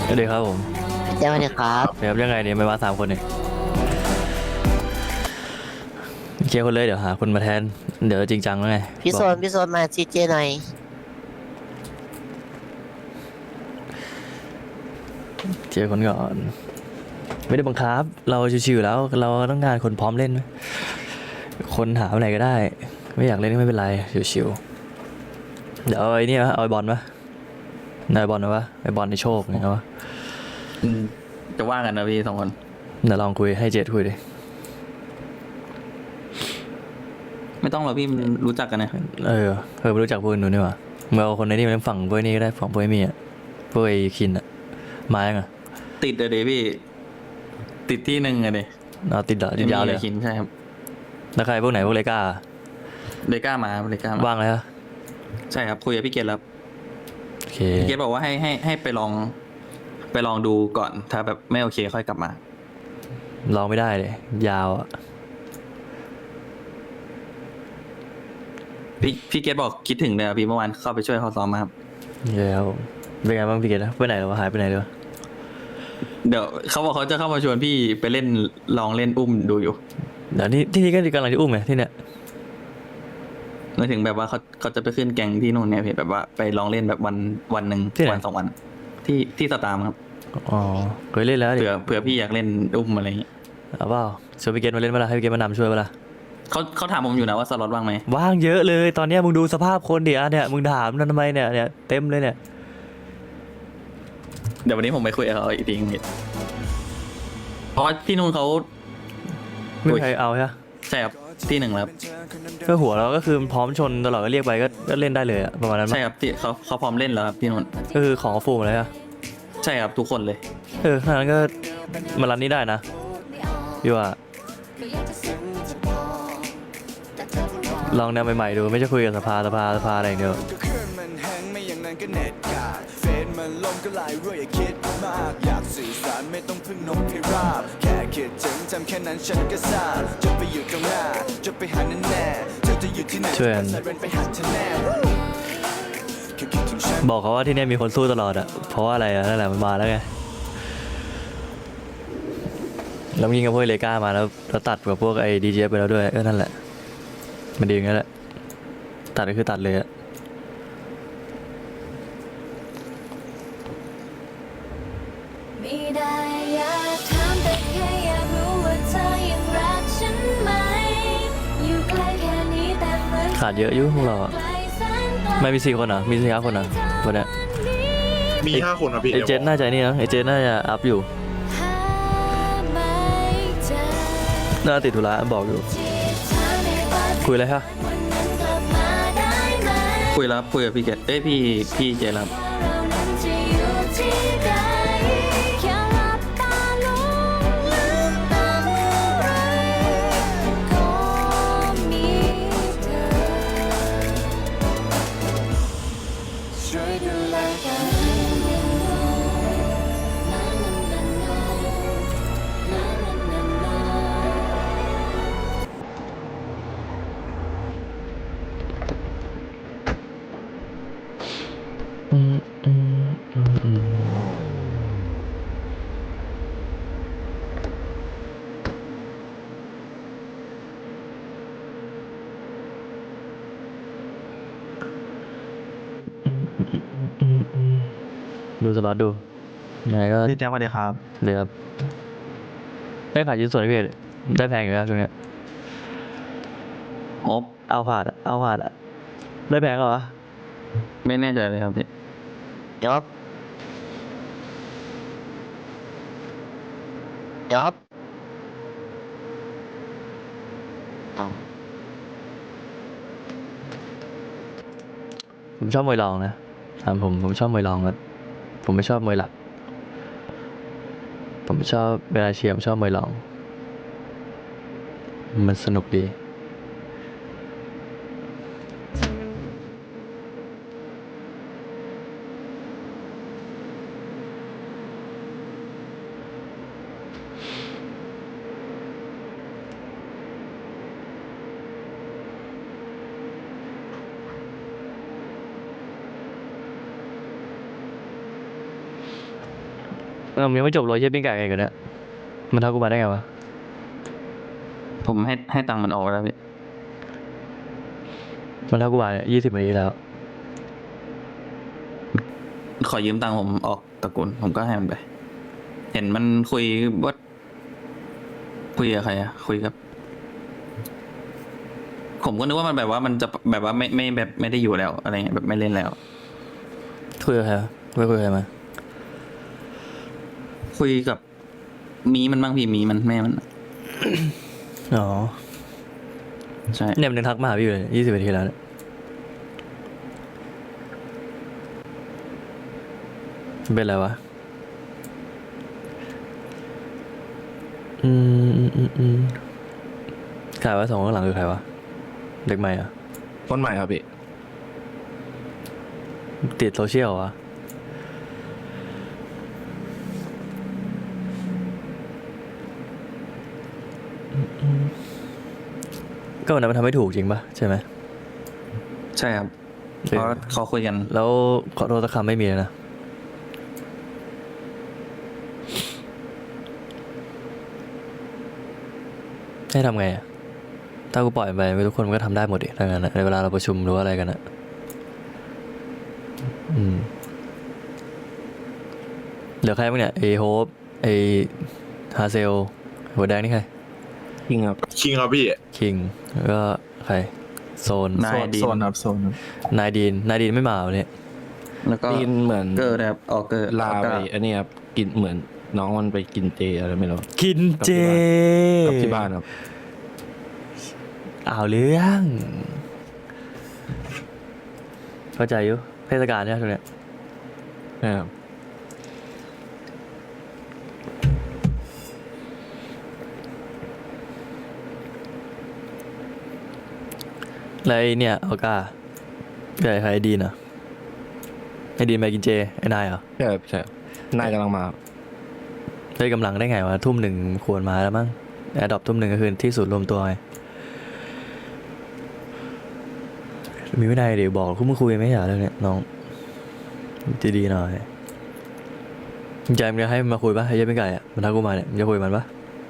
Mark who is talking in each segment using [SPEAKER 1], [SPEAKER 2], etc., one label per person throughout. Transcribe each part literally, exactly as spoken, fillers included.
[SPEAKER 1] สวัสดีครับผม
[SPEAKER 2] เจ้าเลยครับ
[SPEAKER 1] เดี๋ยวยังไงเนี่ยไม่มาสามคนเนี่ยเคลียร์คนเลยเดี๋ยวหาคนมาแทนเดี๋ยวจริงจังแล้วไง
[SPEAKER 2] พี่
[SPEAKER 1] บอก
[SPEAKER 2] โซนพี่โซนมาซีเจหน่อย
[SPEAKER 1] เคลียร์คนก่อนไม่ได้บังคับเราชิวๆแล้วเราต้องการคนพร้อมเล่นคนหาอะไรก็ได้ไม่อยากเล่นก็ไม่เป็นไรชิวๆเดี๋ยวเอาไอ้นี่วะเอาไอ้บอลปะนายบอลนะวะไอ้บอลในโชคเนี่ยวะ
[SPEAKER 3] อืมจะว่ากันนะพี่สองคน
[SPEAKER 1] เดี๋ยวลองคุยให้เจดคุยดิ
[SPEAKER 3] ไม่ต้องหรอกพี่มันรู้จักกันนะ
[SPEAKER 1] เออเออไม่รู้จักพวกนู้นนี่หว่าเมื่อเอาคนในนี่มาฝั่งพวกนี้ก็ได้ฝั่งพวกไอ้มีอ่ะพวกไอ้คินอ่ะมายังอ่ะ
[SPEAKER 3] ติดเลยดิพี่ ติดที่หนึ่งอะดิ
[SPEAKER 1] เอาติดเหรอติดยาวเลยเหรอ
[SPEAKER 3] คินใช่ครับ
[SPEAKER 1] แล้วใครพวกไหนพวกเลก้า
[SPEAKER 3] เลก้ามาเลก้ามา
[SPEAKER 1] ว่างเลยฮะ
[SPEAKER 3] ใช่ครับคุยกับพี่เกดแล้ว
[SPEAKER 1] โอเค
[SPEAKER 3] พี่เกดบอกว่าให้ให้ให้ไปลอง ไปลองดูก่อน ถ้าแบบไม่โอเคค่อยกลับมา
[SPEAKER 1] ลองไม่ได้เลยยาวอ่ะ
[SPEAKER 3] พี่พี่เกดบอกคิดถึงเลยอะพี่เมื่อวานเข้าไปช่วยเขาซ้อมมาครับ
[SPEAKER 1] แล้วเป็นไงบ้างพี่เกดนะไปไหนหรอหายไปไหนเลยวะ
[SPEAKER 3] เดี๋ยวเขาบอกเขาจะเข้ามาชวนพี่ไปเล่นลองเล่นอุ้มดูอยู่
[SPEAKER 1] เดี๋ยวนี่ที่นี่ก็กำลังจะอุ้มไงที่เนี้ย
[SPEAKER 3] หมายถึงแบบว่าเขาเขาจะไปขึ้นแกงที่นู่นเนี่ยพี่แบบว่าไปลองเล่นแบบวันวันหนึ่งวันสองวัน ที่ที่สตาร์มครับ
[SPEAKER 1] อ๋อเคยเล่นแล้วดิ
[SPEAKER 3] เผื่อเผื่อพี่อยากเล่นอุ้มอะไรอย่างงี้
[SPEAKER 1] เอาเปล่าชวนพี่เกดมาเล่นเปะล่าให้พี่เกดมานำช่วยเปะล่า
[SPEAKER 3] เขาเขาถามผมอยู่นะว่าสล็อตว่างไหม
[SPEAKER 1] ว่างเยอะเลยตอนเนี้ยมึงดูสภาพคนดิอ่ะเนี่ยมึงถามนั่นทำไมเนี่ยเนี่ยเต็มเลยเนี่ย
[SPEAKER 3] เดี๋ยววันนี้ผมไปคุยกับเขาอีกทีนึงพี่เพราะว่าที่นู่นเขา
[SPEAKER 1] ไม่มีใครเอาใช่ไหม
[SPEAKER 3] ใช่ครับที่หนึ่งแล้วครับ
[SPEAKER 1] ก็หัวเราก็คือพร้อมชนตลอดก็เรียกไปก็ก็เล่นได้เลยอะประมาณนั้นมั้
[SPEAKER 3] ใช่
[SPEAKER 1] ย
[SPEAKER 3] ครับที่เขาเขาพร้อมเล่นแล้วครับที่นู่น
[SPEAKER 1] ก็คือของฟูมเลยอะ
[SPEAKER 3] ใช่ครับทุกคนเลย
[SPEAKER 1] เออถ้างั้นก็มารันนี้ได้นะพี่ว่าลองแนวใหม่ๆดูไม่ใช่คุยกับสภาสภาสภาอะไรอย่างเดียว
[SPEAKER 4] ก็คืนมันแห้งไม่อย่างนั้นก็เน็ตขาดเฟซมันลมก็ลายรั่วอย่าคิดมากอยากสื่อสารไม่ต้องพึ่งนกพิราบแค่คิดถึงจำแค่นั้นฉันก็ทราบจะไปอยู่ตรงหน้าจะไปหาแน่แน่เธอจะอยู่ที่ไหน
[SPEAKER 1] ช่วยกัน
[SPEAKER 4] ใส่เรนไปหาเธอแน่แค่คิดถึงฉัน
[SPEAKER 1] บอกเขาว่าที่เนี่ยมีคนสู้ตลอดอะเพราะว่าอะไรอะนั่นแหละมันมาแล้วไงแล้วยิงกับพวกเลก้ามาแล้วแล้วตัดกับพวกไอ้ดีเจไปแล้วด้วยเออนั่นแหละมันดีอย่างนั้นแหละตัดก็คือตัดเลยอะ
[SPEAKER 5] ไม่ได้อยากถามแต่แค่อยากรู้ว่าเธอยังรักฉันไหมอยู่ใกล้แค่นี้แต่เหมือน
[SPEAKER 1] ขาดเยอะอยู่พวกเราอะ
[SPEAKER 5] ไกลแสนไกล
[SPEAKER 1] ไม่มีสี่คนเหรอมีสี่ห้าคนเหรอวันเนี้ย
[SPEAKER 6] มีห้าคนครับพี่
[SPEAKER 1] ไอเจนน่าจะนี่นะไอเจนน่าจะอัพอยู่
[SPEAKER 5] หาไม่เจอ
[SPEAKER 1] น่าติดธุระบอกอยู่
[SPEAKER 5] ที่เธอไม่ว่า
[SPEAKER 1] คุยอะไรฮะ
[SPEAKER 5] วันนั้นกลับมาได้ไหม
[SPEAKER 3] คุยแล้วครับคุยกับพี่เกดเอ้ยพี่พี่เจแล้วครับ
[SPEAKER 5] เรานั้นจะอยู่ที่ใดแค่หลับตาลงลืมตาเมื่อไรก็มีเธอช่วยดูแลกัน
[SPEAKER 1] อืมอืมอืมอืมดูสล็อตดูยังไงก็
[SPEAKER 7] พี่แจ๊คสวัสดีครับ
[SPEAKER 1] เหลือได้ขายชิ้นส่วนพี่ได้แพงอยู่แล้วช่วงเนี้ย
[SPEAKER 3] โอ๊บ
[SPEAKER 1] เอาผ่านอะเอาผ่านอะได้แพงเหรอ
[SPEAKER 3] ไม่แน่ใจเลยครับพี่
[SPEAKER 2] ยอบยอบเอา
[SPEAKER 1] ผมชอบมวยรองนะถามผมผมชอบมวยรองครับผมไม่ชอบมวยหลัก ผมชอบเวลาเชียร์ผมชอบมวยรอง มันสนุกดีอมันยังไม่จบเลยเฮียปิ้งไก่ไงกันเนี่ยมันทักกูมาได้ไงวะ
[SPEAKER 3] ผมให้ให้ตังค์มันออกแล้วพี่
[SPEAKER 1] มันทักกูมาเนี่ยยี่สิบนาทีแล้ว
[SPEAKER 3] ขอยืมตังค์ผมออกตระกูลผมก็ให้มันไป เห็นมันคุยว่าคุยกับใครอะคุยกับ ผมก็นึกว่ามันแบบว่ามันจะแบบว่าไม่ไม่แบบไม่ได้อยู่แล้วอะไรเงี้ยแบบไม่เล่นแล้ว
[SPEAKER 1] คุยกับใครวะไม่คุยกับใครมา
[SPEAKER 3] คุยกับมีมันบ้างพี่มีมันแม่มัน
[SPEAKER 1] อ๋อ
[SPEAKER 3] ใช่
[SPEAKER 1] เนี่ยมันยังทักมาหาพี่อยู่เลยยี่สิบนาทีแล้วเนี่ยมันเป็นอะไรวะ อืมอืมอืมอืมใครวะสองข้างหลังคือใครวะ เด็กใหม่เหรอ่ะ
[SPEAKER 7] ต้นใหม่ครับพี่
[SPEAKER 1] ติดโซเชียลเหรอก็วันนั้นมันทำไม่ถูกจริงปะใช่ไหม
[SPEAKER 3] ใช่ครับเพราะเขาคุยกัน
[SPEAKER 1] แล้วขอโทษสักคำไม่มีเลยนะ ให้ทำไงอะถ้ากูปล่อยไปทุกคนมันก็ทำได้หมดดิถ้างั้นอะในเวลาเราประชุมหรือว่าอะไรกันอะอืมเหลือใครบ้างเนี่ยเอโฮปไอฮาเซลหัวแดงนี่ใคร
[SPEAKER 7] คิงครับ
[SPEAKER 6] คิงครับพี่
[SPEAKER 1] คิงแล้วก็ใครโซน
[SPEAKER 3] นายดีน
[SPEAKER 7] โซนครับโซนครับ
[SPEAKER 1] นายดีนนายดีนไม่มาวันนี้
[SPEAKER 3] แล้วก็
[SPEAKER 7] กินเหมือน
[SPEAKER 3] เกอร์นะครับออกเกอร์
[SPEAKER 7] ลา
[SPEAKER 3] ออก
[SPEAKER 7] ไป
[SPEAKER 3] เกอร์
[SPEAKER 7] อันนี้ครับกินเหมือนน้องมันไปกินเจอะไรไม่รู้
[SPEAKER 1] กินเจ
[SPEAKER 7] กับที่บ้านครับ
[SPEAKER 1] เอาเรื่องเข้าใจอยู่เทศกาลเนี่ยช่วงเนี้ย
[SPEAKER 7] นะครับ
[SPEAKER 1] แล้วไอ้เนี่ยเอาก้าเดี๋ยวใครไอ้ดีนอ่ะไอ้ดีนไปกินเจไอ้นายเหรอ
[SPEAKER 7] ใช่ครับใช่ครับนายกำลังมาครับ
[SPEAKER 1] ได้กำลังได้ไงวะทุ่มหนึ่งควรมาแล้วมั้งแอร์ดรอปทุ่มหนึ่งก็คือที่สุดรวมตัวไงมีวินัยเดี๋ยวบอกคุณมึงคุยไหมอย่าเรื่องเนี้ยน้องจะดีหน่อยใจมึงจะให้มันมาคุยปะไอ้เหี้ยเป็นไก่อ่ะมันทักกูมาเนี่ยมึงจะคุยกับมันปะ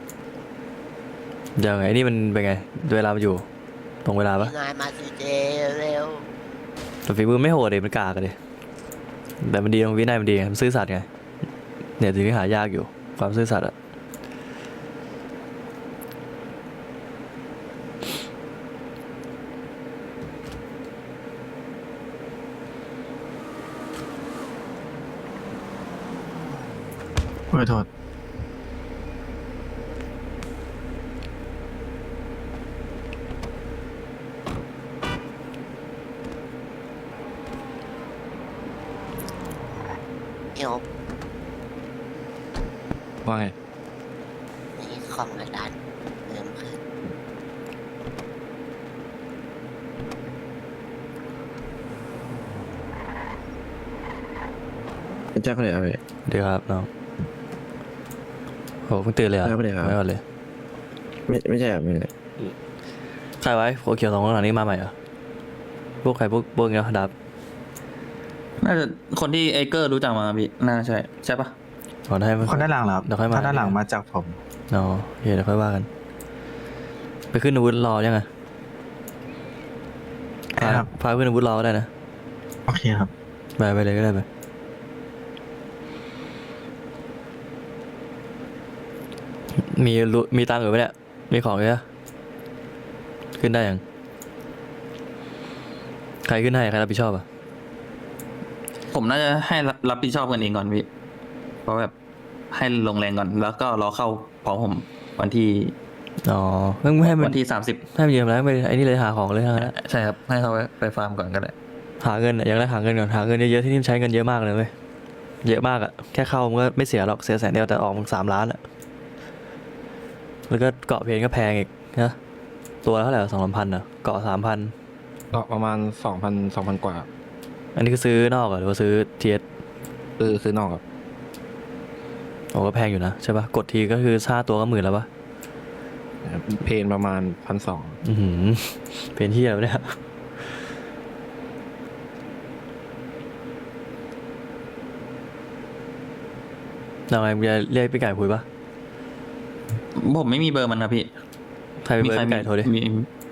[SPEAKER 1] ยังไงไอ้นี่มันเป็นไงเวลามันอยู่ตรงเวลาปะ
[SPEAKER 2] นายมาซีเจเร็ว
[SPEAKER 1] แต่ฝีมือไม่โหดเลยมันกากกันเลยแต่มันดีตรงวินัยมันดีไงมันซื่อสัตย์ไงเนี่ยสิ่งที่หายากอยู่ความซื่อสัตย์อะ
[SPEAKER 7] ขอโทษ
[SPEAKER 2] พี่โอ๊บ
[SPEAKER 7] ว่าไง
[SPEAKER 2] นี่ของอาจารย์เพิ่มขึ้น
[SPEAKER 8] เป็นเจ้าคนไหนครับพี่
[SPEAKER 1] เดี๋ยวครับน้องโหเพิ่งตื่นเลยเหรอ่ะ
[SPEAKER 8] ไม่ได้ครับ
[SPEAKER 1] ไม่ก่อนเลย
[SPEAKER 8] ไม่ไม่ใช่ครับไม่ใช่
[SPEAKER 1] ใครไว้โคเขียวสองคนหลังนี้มาใหม่เหรอพวกใครพวกพวกเงี้ยดับ
[SPEAKER 3] น่าจะคนที่ไอเกอร์รู้จักมาพี่น่าใช่ใช่ปะ
[SPEAKER 1] ก่อนให้มัน
[SPEAKER 9] คนด้านหลังเหรอครับ
[SPEAKER 1] เดี๋ยวค่อยมา
[SPEAKER 9] ถ้าด้านหลังมาจากผม
[SPEAKER 1] เนาะโอเคเดี๋ยวค่อยว่ากัน ไปขึ้นอาวุธรอยังไงพา
[SPEAKER 9] ครับ
[SPEAKER 1] พาขึ้นอาวุธรอก็ได้นะ
[SPEAKER 9] โอเคครับ
[SPEAKER 1] ไปไปเลยก็ได้ไปมีรู้มีตังค์อยู่ไหมเนี่ยมีของเยอะขึ้นได้ยังใครขึ้นให้ใครรับผิดชอบอ่ะ
[SPEAKER 3] ผมน่าจะให้รับรับผิดชอบกันเองก่อนพี่เพราะแบบให้ลงแรงก่อน แล้วก็รอเข้าพร้อมผมวันที่
[SPEAKER 1] อ๋อเพิ่งให้มัน
[SPEAKER 3] วันที่สามสิบ
[SPEAKER 1] ให้มันยืมแล้วไปไอ้นี่เลยหาของเลยทั้งนั้นอะ
[SPEAKER 3] ใช่ครับให้เขาไปไปฟาร์มก่อนก็ได้
[SPEAKER 1] หาเงินอะอย่างแรกหาเงินก่อนหาเงินเยอะๆที่นี่มันใช้เงินเยอะมากเลยเว้ยเยอะมากอะแค่เข้ามันก็ไม่เสียหรอกเสียแสนเดียวแต่ออกมันสามล้านอะแล้วก็เกาะเพลนก็แพงอีกนะตัวละเท่าไหร่สองสามพันอะเกาะสามพัน
[SPEAKER 7] ก็ประมาณสองพันสองพันกว่า
[SPEAKER 1] อันนี้คือซื้อนอกเหรอหรือว่าซื้อเทียส
[SPEAKER 7] ซื้อซื้อนอกครับ
[SPEAKER 1] โอ้ก็แพงอยู่นะใช่ปะกดทีก็คือห้าตัวก็หมื่นแล้วปะ
[SPEAKER 7] เพนประมาณพันสอง
[SPEAKER 1] อือหือเป็นที่แล้วะเนี่ยเราไงมึงจะเรียกพี่ไก่คุยปะ
[SPEAKER 3] ผมไม่มีเบอร์มันครับพี่
[SPEAKER 1] ใครเป็นเบอร์พี่ไก่โทรดิ
[SPEAKER 3] มี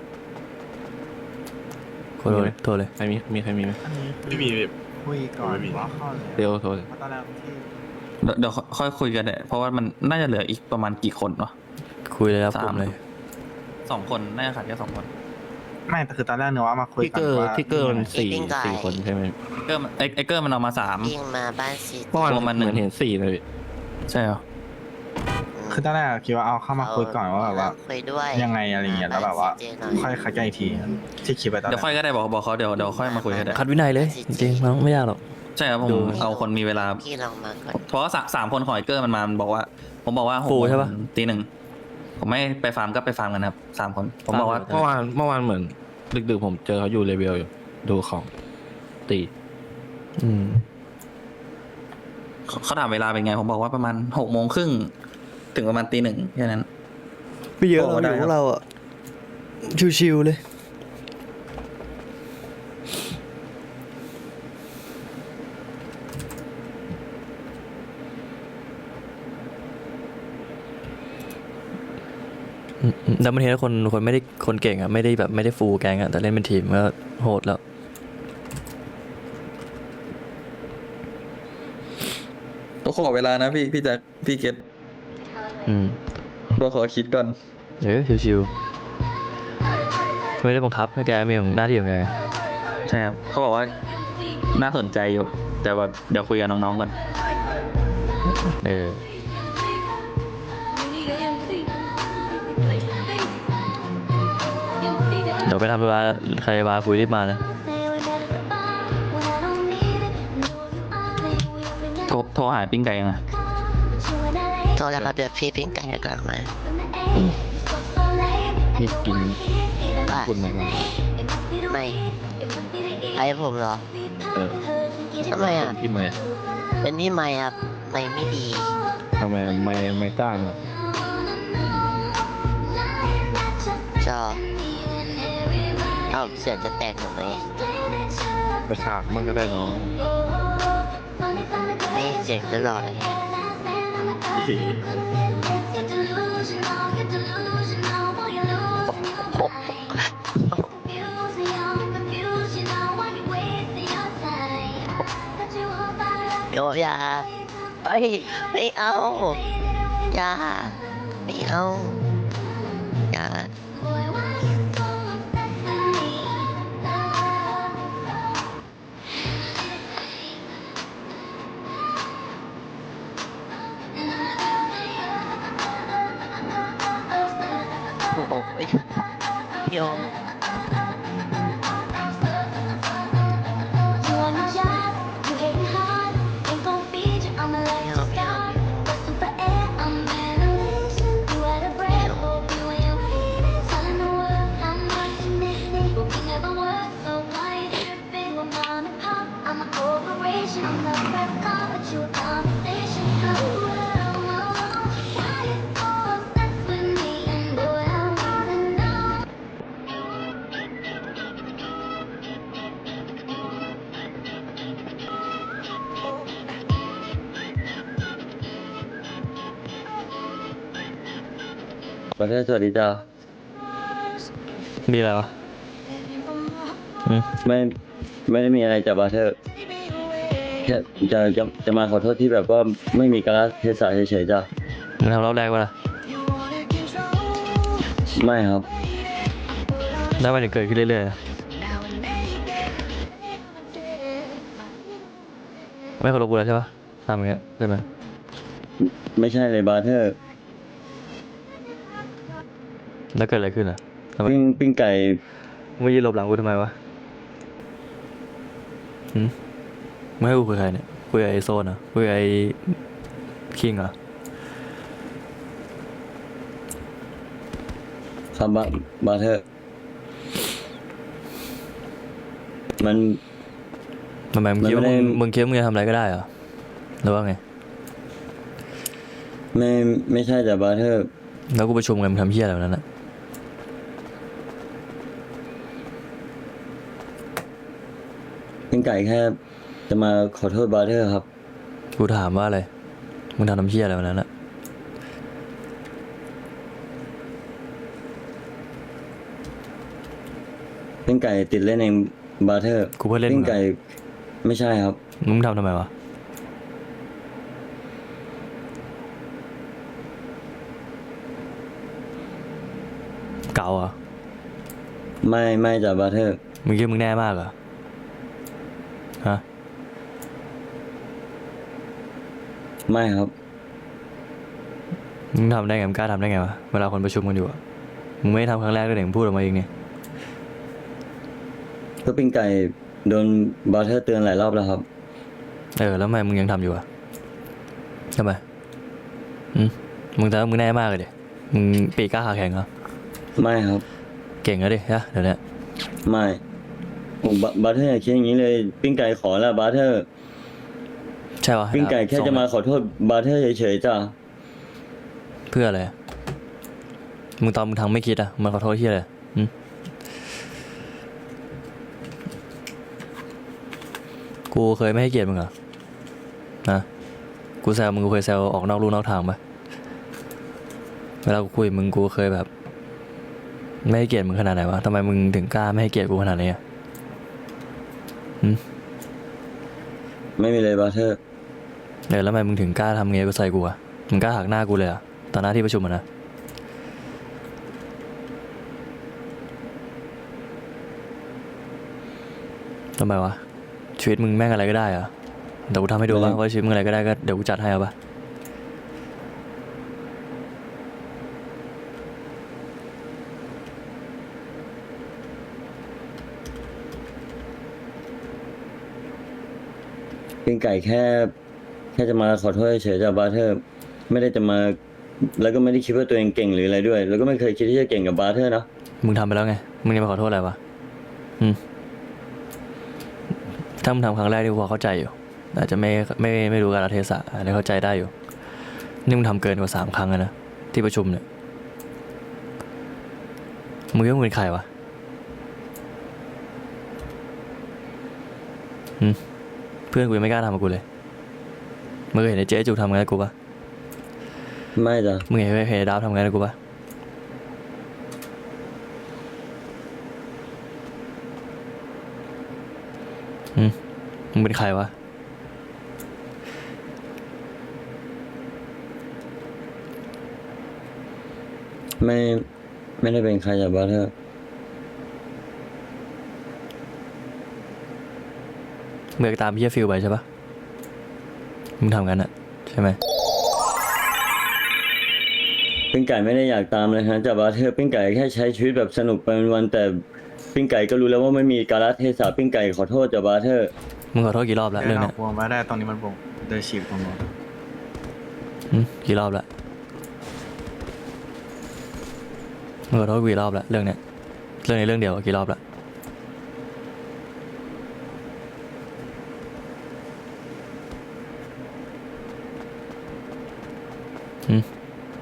[SPEAKER 1] โทรเลยโทรเลย
[SPEAKER 7] ใครมีมีใครมีไหม
[SPEAKER 6] ไม่มีพี่
[SPEAKER 9] คุยก่อน
[SPEAKER 6] ไม่มี
[SPEAKER 9] ว่าเข้าเลย
[SPEAKER 7] เดี๋ยวโทรเลย
[SPEAKER 9] เพราะตอนแรกที่
[SPEAKER 3] เดี๋ยวเดี๋ยวค่อยคุยกันเนี่ยเพราะว่ามันน่าจะเหลืออีกประมาณกี่คนวะ
[SPEAKER 1] คุยเลยครับ
[SPEAKER 3] สาม
[SPEAKER 1] กลุ่มเลย
[SPEAKER 3] สองคนน่าจะขาดแค่สองคน
[SPEAKER 9] ไม่แต่คือตอนแรกเนื้อว่ามาคุย
[SPEAKER 7] ทิก
[SPEAKER 9] กั
[SPEAKER 7] เก
[SPEAKER 9] น
[SPEAKER 7] อร์
[SPEAKER 9] ว่า
[SPEAKER 7] ทิกเกอร์มันสี่สี่คนใช่ไหม
[SPEAKER 3] เกอร์มันไอ้ไอ้เกอร์มันเอามาสาม
[SPEAKER 2] วิ่งมาบ้านซี
[SPEAKER 7] เมื่อวาน
[SPEAKER 3] รวมมันหนึ่
[SPEAKER 7] เห
[SPEAKER 3] ง
[SPEAKER 7] มือนเห็นสี่เลยพี่
[SPEAKER 3] ใช่เหรอ
[SPEAKER 9] คือตอนแรกคิดว่าเอาเข้ามาคุยก่อนว่าแบบว่า
[SPEAKER 2] คุยด้วย
[SPEAKER 9] ยังไงอะไรเงี้ยแล้วแบบว่า
[SPEAKER 2] เจหน่อย
[SPEAKER 9] ค่อยคัดกันอีกทีที่คิดไปตอนแร
[SPEAKER 3] เดี๋ยวค่อย
[SPEAKER 9] ก
[SPEAKER 3] ก็ได้บอกบอกเขาเดี๋ยวเดี๋ยวค่อยมาคุยกันได้
[SPEAKER 1] คัดวินัยเลย จริงๆมันไม่ยากหรอก
[SPEAKER 3] ใช่ครับผม
[SPEAKER 1] ดู
[SPEAKER 3] เอาคนมีเวลา
[SPEAKER 2] พี่ลองมาก่อน
[SPEAKER 3] เพราะว่าสามสามคนของไอ้เกอร์มันมามันบอกว่า ผมบอกว่าหก
[SPEAKER 1] ฟู
[SPEAKER 3] โมง
[SPEAKER 1] ใช่ปะ
[SPEAKER 3] ตีหนึ่งผมไม่ไปฟาร์มก็ไปฟาร์มกันครับสามคน ผมบอกว่า
[SPEAKER 7] เมื่อวานเมื่อวานเหมือนดึกๆผมเจอเขาอยู่เลเวลอยู่ดูของตี
[SPEAKER 1] อืม
[SPEAKER 3] เขาถามเวลาเป็นไง ผมบอกว่าประมาณหกโมงครึ่งถึงประมาณตีหนึ่งแค่นั้น
[SPEAKER 1] ไม่เยอะ
[SPEAKER 3] โอ้
[SPEAKER 1] เรา
[SPEAKER 3] ได้
[SPEAKER 1] อยู่
[SPEAKER 3] ค
[SPEAKER 1] ข
[SPEAKER 3] รับ
[SPEAKER 1] องเราอ่ะชิวๆเลยอืมอืมแต่มันเห็นว่าคนคนไม่ได้คนเก่งอ่ะไม่ได้แบบไม่ได้ฟูลแกงอ่ะแต่เล่นเป็นทีมก็โหดแล้ว
[SPEAKER 3] ต้องขอเวลานะพี่พี่แจ็คพี่เกต
[SPEAKER 1] อืม
[SPEAKER 3] ต้องขอคิดก่อน
[SPEAKER 1] เดี๋ยวชิวๆไม่ได้บังคับให้แกมีของหน้าที่ของแก
[SPEAKER 3] ใช่ครับเขาบอกว่าน่าสนใจอยู่ แต่ว่าเดี๋ยวคุยกับน้องๆก่อน
[SPEAKER 1] เออเดี๋ยวไปทำเวลาใครมาคุยรีบมานะ
[SPEAKER 3] โทรโทรหาปิ้งไก่ยังไง
[SPEAKER 2] โทษนะครับเดี๋ยวพี่พิงไก่กลับมา
[SPEAKER 7] พี่กิน
[SPEAKER 2] ว่า
[SPEAKER 7] คุณไหมก่อน
[SPEAKER 2] ไม่ใครผมเหรอ
[SPEAKER 7] เออ
[SPEAKER 2] ทำไมอ่ะ
[SPEAKER 7] พี่ไม่
[SPEAKER 2] เป็นนี่ไม่ครับไม่ไม่ดี
[SPEAKER 7] ทำไมไม่ไม่จ้างอ่ะ
[SPEAKER 2] จอเอ้าเสียงจะแตกหรือไหม
[SPEAKER 7] ไปฉากมันก็ได้เนาะ
[SPEAKER 2] นี่เสียงตลอดเลย เดี๋ยวอย่าเอ้ยไม่เอาอย่าไม่เอาอย่าโอ้โหโยม
[SPEAKER 8] ประเทศสวัสดีจ้า
[SPEAKER 1] มีอะไรวะอืม
[SPEAKER 8] ไม่ไม่ได้มีอะไรจากบาร์เทอร์แค่จะจะจะมาขอโทษที่แบบว่าไม่มีการเทศะเฉยๆจ้า
[SPEAKER 1] มึงทำรอบแรกวะล่ะ
[SPEAKER 8] ไม่ครับ
[SPEAKER 1] แล้วมันจะเกิดขึ้นเรื่อยๆอะไม่เคารพกูแล้วใช่ปะทำอย่างเงี้ยใช่ไหม
[SPEAKER 8] ไม่ใช่เลยบาร์เทอร์
[SPEAKER 1] แล้วเกิดอะไรขึ้นอ่ะทำไม
[SPEAKER 8] ปิ้งปิ้งไก่
[SPEAKER 1] มึงมายืนหลบหลังกูทำไมวะหืมไม่ให้กูคุยกับใครเนี่ยคุยกับไอโซนเหรอคุยกับไอคิงเหรอ
[SPEAKER 8] ครับบาบาร์เทอร์ มัน
[SPEAKER 1] ทำไมมึงคิดว่า
[SPEAKER 8] มันไม่
[SPEAKER 1] มึง
[SPEAKER 8] ได้
[SPEAKER 1] มึงคิดว่ามึงจะทำอะไรก็ได้เหรอหรือว่าไง
[SPEAKER 8] ไม่ไม่ใช่แต่บาร์เทอร์
[SPEAKER 1] แล้วกูประชุมกันมึงทำเหี้ยอะไรแบบนั้นอ่ะ
[SPEAKER 8] ปิ้งไก่แค่จะมาขอโทษบาร์เทอร์ครับ
[SPEAKER 1] กูถามว่าอะไรมึงทำน้ำเชี่ยอะไรวันนั้นอะ
[SPEAKER 8] ปิ้งไก่ติดเล่นเองบาร์เทอร์
[SPEAKER 1] กูเพื่อนเล่น
[SPEAKER 8] ปิ้
[SPEAKER 1] มึ
[SPEAKER 8] ง
[SPEAKER 1] ง
[SPEAKER 8] ไก่
[SPEAKER 1] อะ
[SPEAKER 8] ไม่ใช่ครับ
[SPEAKER 1] มึงทำทำไมวะเก่าเหรอ่ะ
[SPEAKER 8] ไม่ไม่จากบาร์เทอร์
[SPEAKER 1] มึงคิดว่ามึงแน่มากเหรอฮะ
[SPEAKER 8] ไม่ครับ
[SPEAKER 1] มึงทำได้ไงมึงกล้าทำได้ไงวะเวลาคนประชุมกันอยู่อะมึงไม่ได้ทำครั้งแรกด้วยเด็กมึงพูดออกมาเองนี่
[SPEAKER 8] ก็ปิ้งไก่โดนบาร์เทอร์เตือนหลายรอบแล้วครับ
[SPEAKER 1] เออแล้วทำไมมึงยังทำอยู่อะทำไมอืมมึงแต่ว่ามึงแน่มากเลยดิมึงปีกกล้าขาแข็งเหรอ
[SPEAKER 8] ไม่ครับ
[SPEAKER 1] เก่งแล้วดิฮะเดี๋ยวนี้
[SPEAKER 8] ไม่ผมบาบาร์เทอร์อย่าคิดอย่างนี้เลย ปิ้งไก่ขอแล้วบาร์เทอร์
[SPEAKER 1] ใช่ปะ
[SPEAKER 8] ปิ้งไก่แค่
[SPEAKER 1] ส่ง
[SPEAKER 8] จะมาขอโทษบาร์เทอร์เฉยๆจ้ะ
[SPEAKER 1] เพื่ออะไรอะมึงตอนมึงทำไม่คิดอะมันขอโทษที่อะไรอืมกูเคยไม่ให้เกียรติมึงเหรอนะกูแซวมึงกูเคยแซวออกนอกลู่นอกทางปะเวลากูคุยกับมึงกูเคยแบบ ไม่ให้เกียรติมึงขนาดไหนวะทำไมมึงถึงกล้าไม่ให้เกียรติกูขนาดนี้อะอืม
[SPEAKER 8] ไม่มีเลยบาร์เทอร์
[SPEAKER 1] เออแล้วทำไมมึงถึงกล้าทำเงี้ยกูใส่กูอะมึงกล้าหักหน้ากูเลยอะตอนหน้าที่ประชุมอะนะทำไมวะชีวิตมึงแม่งอะไรก็ได้อะเดี๋ยวกูทำให้ดูว่าว่าชีวิตมึงอะไรก็ได้ก็เดี๋ยวกูจัดให้เอาปะ
[SPEAKER 8] ปิ้งไก่แค่ แค่จะมาขอโทษเฉยๆจากบาร์เทอร์ ไม่ได้จะมา แล้วก็ไม่ได้คิดว่าตัวเองเก่งหรืออะไรด้วย แล้วก็ไม่เคยคิดที่จะเก่งกับบาร์เทอร์นะ
[SPEAKER 1] มึงทำไปแล้วไงมึงจะมาขอโทษอะไรวะอืมถ้ามึงทำครั้งแรกที่กูพอเข้าใจอยู่อาจจะไม่ไม่ไม่รู้กาลเทศะอันนี้เข้าใจได้อยู่นี่มึงทำเกินกว่าสามครั้งแล้วนะที่ประชุมเนี่ยมึงคิดว่ามึงเป็นใครวะอืมเพื่อนกูยังไม่กล้าทำกับกูเลยมึงเคยเห็นไอ้เจ๊จุกทำงานกับกูปะ
[SPEAKER 8] ไม่จ้ะ
[SPEAKER 1] มึงเห็นเห็นไอ้ดาวทำงานกับกูปะอืมมึงเป็นใครวะ
[SPEAKER 8] ไม่ ไม่ได้เป็นใครจากบาร์เทอร์
[SPEAKER 1] มึงอยากตามพี่ฟิลไปใช่ปะมึงทำกันอะใช่ไหม
[SPEAKER 8] ปิ้งไก่ไม่ได้อยากตามเลยฮะจากบาร์เทอร์ปิ้งไก่แค่ใช้ชีวิตแบบสนุกไปวันๆแต่ปิ้งไก่ก็รู้แล้วว่าไม่มีกาลเทศะปิ้งไก่ขอโทษจากบาร์เทอร์
[SPEAKER 1] มึงขอโทษกี่รอบแล้วเรื่องเนี้ย
[SPEAKER 9] วงไม่ได้ตอนนี้มันวงเดินฉีกตรงนู้น
[SPEAKER 1] อืมกี่รอบแล้วมึงขอโทษกี่รอบแล้วเรื่องเนี้ยเรื่องในเรื่องเดียวอะกี่รอบแล้วอืม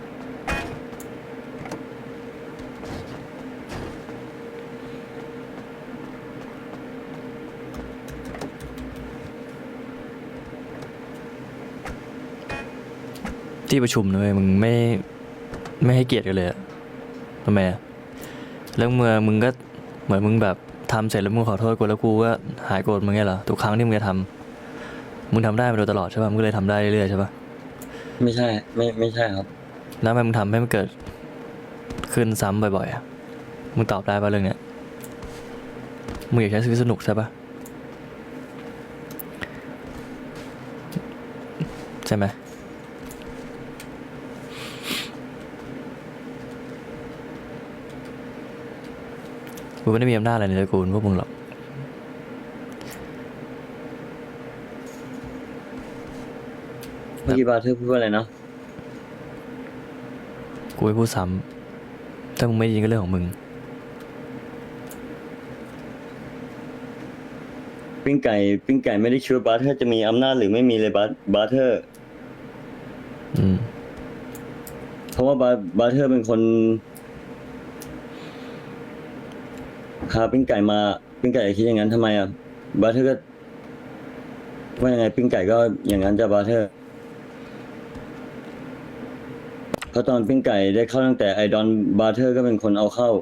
[SPEAKER 1] ที่ประชุมนะเว้ยมึงไม่ไม่ให้เกียรติกันเลยอะทำไมอะแล้วเมื่อมึงก็เหมือนมึงแบบทำเสร็จแล้วมึงขอโทษกูแล้วกูก็หายโกรธมึงไงเหรอทุกครั้งที่มึงจะทำมึงทำได้มาโดยตลอดใช่ป่ะมึงก็เลยทำได้เรื่อยๆใช่ป่ะ
[SPEAKER 8] ไม่ใช่ ไม่ไม่ใช่ครับ
[SPEAKER 1] แล้วทำไมมึงทำให้มันเกิดขึ้นซ้ำบ่อยๆอะมึงตอบได้ป่ะเรื่องเนี้ยมึงอยากใช้ชีวิตสนุกใช่ป่ะใช่ไหมกูไม่ได้มีอำนาจอะไรในตระกูลพวกมึงหรอก
[SPEAKER 8] เมื่อกี้บาร์เทอร์พูดว่าอะไรนะ
[SPEAKER 1] กูไม่พูดซ้ำถ้ามึงไม่ยินก็เรื่องของมึง
[SPEAKER 8] ปิ้งไก่ปิ้งไก่ไม่ได้คิดว่าบาร์เทอร์จะมีอำนาจหรือไม่มีเลยบาร์บาร์เทอร์
[SPEAKER 1] อืม
[SPEAKER 8] เพราะว่าบาร์บาร์เทอร์เป็นคนพาปิ้งไก่มาปิ้งไก่คิดอย่างนั้นทำไมอ่ะบาร์เทอร์ก็ว่ายังไงปิ้งไก่ก็อย่างนั้นจะบาร์เทอร์ราะตอนปิ้งไก่ได้เข้าตั้งแต่ไอดอนบาร์เทอร์ก็เป็นคนเอาเข้า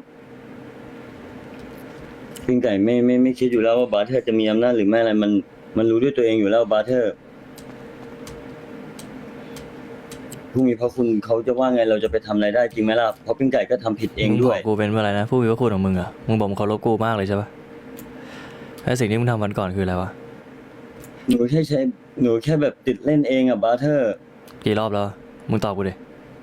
[SPEAKER 8] ปิ้งไก่ไม่ไม่ไม่คิดอยู่แล้วว่าบาร์เทอร์จะมีอำนาจหรือไม่อะไรมันมันรู้ด้วยตัวเองอยู่แล้วบาร์เทอร์ผู้มีพระคุณเขาจะว่าไงเราจะไปทำอะไรได้จริงไหมล่ะเพราะปิ้งไก่ก็ทำผิดเอง
[SPEAKER 1] มึง
[SPEAKER 8] ด้
[SPEAKER 1] บ
[SPEAKER 8] ว
[SPEAKER 1] อย กกูเป็นอะไรนะผู้มีพระคุณของมึงอะมึงบอกมึงเคารพกูมากเลยใช่ปะแล้วสิ่งที่มึงทำวันก่อนคืออะไรวะ
[SPEAKER 8] หนูแค่ใช้หนูแค่แบบติดเล่นเองอะบาร์เทอร์
[SPEAKER 1] กี่รอบแล้ว มึงตอบกูดิ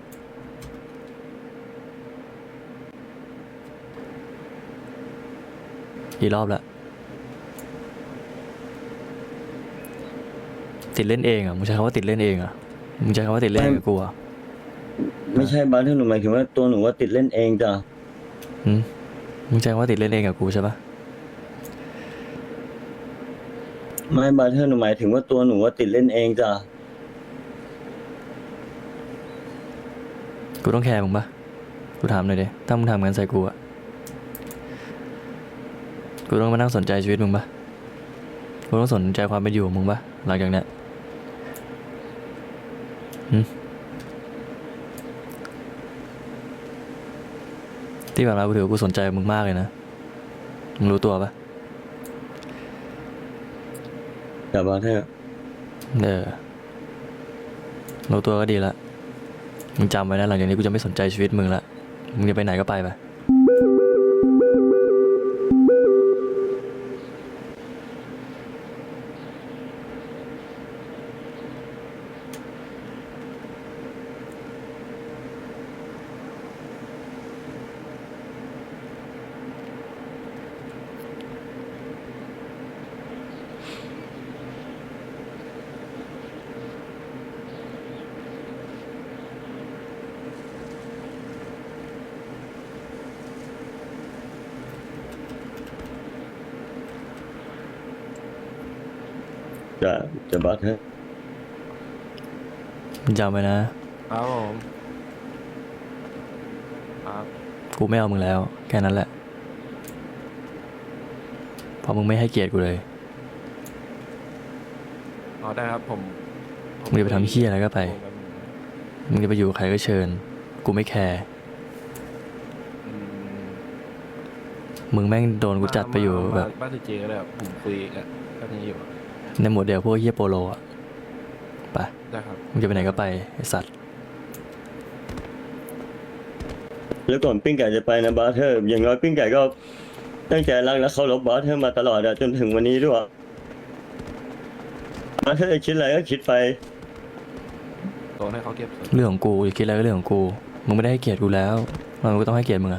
[SPEAKER 1] กี่รอบแล้วติดเล่นเองเหรอ่ะมึงใช้คำว่าติดเล่นเองเหรอ่ะมึงใช้คำว่าติดเล่นกับกูเหรอ่ะ
[SPEAKER 8] ไม่ใช่บาร์เทอร์หนูหมายถึงว่าตัวหนูว่าติดเล่นเองจ้ะ
[SPEAKER 1] หืมมึงใช้คำว่าติดเล่นเองกับกูใช่ปะ
[SPEAKER 8] ไม่บาร์เทอร์หนูหมายถึงว่าตัวหนูว่าติดเล่นเองจ้ะ
[SPEAKER 1] กูต้องแคร์มึงปะกูถามหน่อยดิถ้ามึงทำงั้นใส่กูอ่ะกูต้องมานั่งสนใจชีวิตมึงปะกูต้องสนใจความเป็นอยู่ของมึงปะหลังจากเนี้ยหืมที่ผ่านมากูถือว่ากูสนใจมึงมากเลยนะมึงรู้ตัวปะ
[SPEAKER 8] จ้ะบาร์เทอร์
[SPEAKER 1] เออรู้ตัวก็ดีละมึงจำไว้นะหลังจากนี้กูจะไม่สนใจชีวิตมึงละมึงจะไปไหนก็ไปไป
[SPEAKER 8] จ้ะจ้ะบาร์เทอร์
[SPEAKER 1] มึงจำไว้นะครับ
[SPEAKER 7] ผมครับ
[SPEAKER 1] กูไม่เอามึงแล้วแค่นั้นแหละเพราะมึงไม่ให้เกียรติกูเลย
[SPEAKER 7] อ๋อได้ครับผมผ
[SPEAKER 1] มึงจะไปทำเหี้ยอะไรก็ไป มึงจะไปอยู่กับใครก็เชิญ กูไม่แคร์
[SPEAKER 7] อืม
[SPEAKER 1] มึงแม่งโดนกูจัดไปอยู่
[SPEAKER 7] มา
[SPEAKER 1] แบ
[SPEAKER 7] มา
[SPEAKER 1] บ
[SPEAKER 7] บ้านเจก็ได้ครับผมคุยกับท่านนี้อยู่
[SPEAKER 1] ในหมวดเดียวพวกเฮียโปโลอ่ะไป
[SPEAKER 7] ได้ครับ
[SPEAKER 1] มึงจะไปไหนก็ไปไอสัตว์
[SPEAKER 8] แล้วก่อนปิ้งไก่จะไปนะบาร์เทอร์อย่างน้อยปิ้งไก่ก็ตั้งใจรักและเคารพบาร์เทอร์มาตลอดอะจนถึงวันนี้ด้วยบาร์เทอร์จะคิดอะไรก็คิดไป
[SPEAKER 7] โดนให้เขาเก็บส่วน
[SPEAKER 1] เรื่องของกูจะคิดอะไรก็เรื่องของกู มึงไม่ได้ให้เกียรติกูแล้วมันก็ต้องให้เกียรติมึงอะ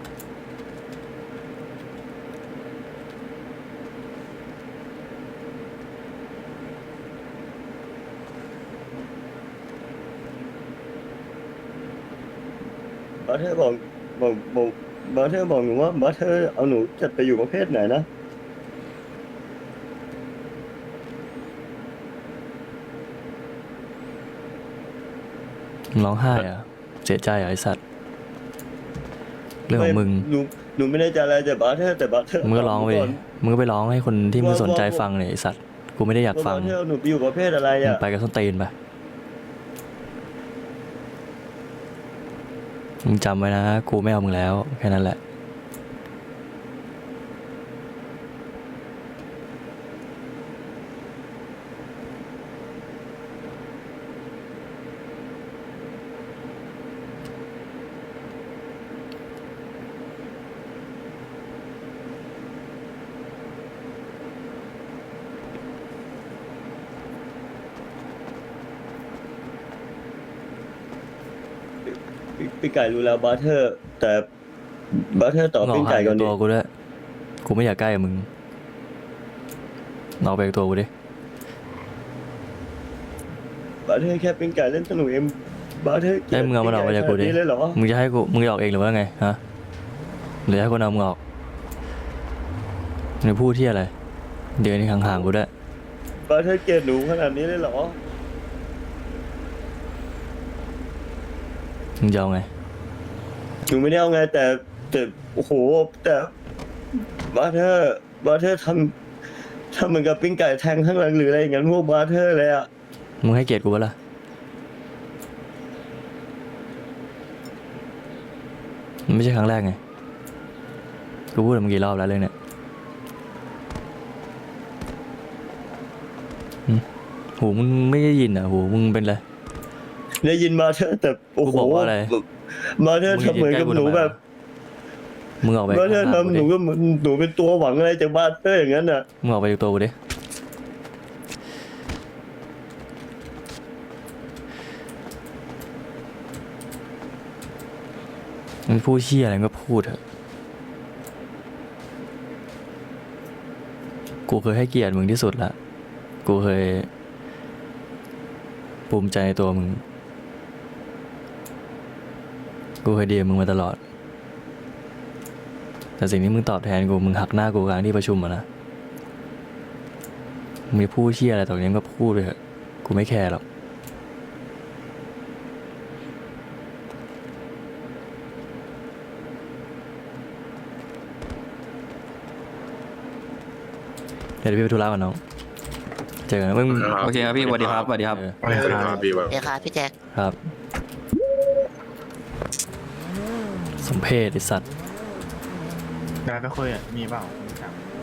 [SPEAKER 8] บาร์เทอร์บอกบอกบอกบาร์เทอร์บอกหนูว่าบาร์เทอร์เอาหนูจัดไปอยู่ประเภทไหนนะ
[SPEAKER 1] มึงร้องไห้อะเสียใจอะไอสัตว์เรื่องของมึง
[SPEAKER 8] หนูหนูไม่ได้จะอะไรแต่บาร์เทอร์แต่บาร์เทอร์
[SPEAKER 1] มึงก็ร้องไป
[SPEAKER 8] บ
[SPEAKER 1] ดิ
[SPEAKER 8] ก่น
[SPEAKER 1] มึงก็ไปร้องให้คนที่มึงสนใจฟังเนี่ยไอสัตว์กูไม่ได้อยาก
[SPEAKER 8] ว่า
[SPEAKER 1] ฟัง
[SPEAKER 8] บาร์เทอร์เอาหนูไปอยู่ประเภทอะไร
[SPEAKER 1] มึง
[SPEAKER 8] อะ
[SPEAKER 1] ไปกับส้นตีนไปมึงจำไว้นะกูไม่เอามึงแล้วแค่นั้นแหละ
[SPEAKER 8] พี่พี่ไก่รู้แล้วบาร์เทอร์ แต่บาร์เทอร์ตอบ
[SPEAKER 1] มึงอ
[SPEAKER 8] ปิ้
[SPEAKER 1] อง ก
[SPEAKER 8] ไก่
[SPEAKER 1] ห่าง
[SPEAKER 8] ก่
[SPEAKER 1] จา
[SPEAKER 8] อน
[SPEAKER 1] ก
[SPEAKER 8] ดิ
[SPEAKER 1] ตัวกูด้วยกูไม่อยากใกล้กับมึงออกไปจากตัวกูดิ
[SPEAKER 8] บาร์เทอร์แค่ปิ้งไก่เล่นสนุกเองบาร์เทอร์
[SPEAKER 1] ได้มึงเอามันออกไปจากกูดิ
[SPEAKER 8] ปิ้งไเลยเหรอ
[SPEAKER 1] มึงจะให้กูมึงจะออกเองหรือว่าไงฮะหรือให้คนเอามึงออกมึงพูดที่อะไรเดินห่างๆกูด้วย
[SPEAKER 8] บาร์เทอร์เกลียดหนูขนาดนี้เลยเหรอ
[SPEAKER 1] มึงจะเอาไง
[SPEAKER 8] หนูไม่ได้เอาไงแต่แต่โอ้โหแต่บาร์เทอร์บาร์เทอร์ทำทำเหมือนกับปิ้งไก่แทงข้างหลังหรืออะไรอย่างนั้นพวกบาร์เทอร์เลยอะ
[SPEAKER 1] มึงให้เกียรติกูปะล่ะไม่ใช่ครั้งแรกไงกูพูดมากี่รอบแล้วเรื่องเนี้ยหึหูมึงไม่ได้ยินอ่ะหูมึงเป็นไร
[SPEAKER 8] ได้ยินมาเธอแต่โอ้
[SPEAKER 1] กู
[SPEAKER 8] โห
[SPEAKER 1] บอกว่าอะไร
[SPEAKER 8] มาเธอทำเหมือนกับหนูแบบ
[SPEAKER 1] มึงออกไป
[SPEAKER 8] มาเธอ
[SPEAKER 1] ข้างๆกู
[SPEAKER 8] ทำห
[SPEAKER 1] ดิ
[SPEAKER 8] นูก็เหมือนหนูเป็นตัวหวังอะไรจากบ้านเธออย่างนั้นอ่ะ
[SPEAKER 1] มึงออกไปดูตัวกูดิมึงพูดเชี่ยอะไรมึงก็พูดเถอะกูเคยให้เกียรติมึงที่สุดละกูเคยภูมิใจในตัวมึง กูเคยดีกับมึงมาตลอด แต่สิ่งที่มึงตอบแทนกู มึงหักหน้ากูกลางที่ประชุมอะนะ มึงมีพูดเชี่ยอะไรตรงนี้มึงก็พูดไปเถอะ กูไม่แคร์หรอก เดี๋ยวพี่ไปธุระก่อนน้อง เจอกันนะมึง
[SPEAKER 3] โอเคครับพี่สวัสดีครับสวัสดีครับ
[SPEAKER 1] เออ
[SPEAKER 6] ไม่ได้ครับพี่แบบ
[SPEAKER 2] เดี๋ยวค่ะพี่แจ็ค
[SPEAKER 1] ครับ สมเพศไอสัตว์
[SPEAKER 9] เวลาไปคุยอ่ะมีเปล่ามีครับ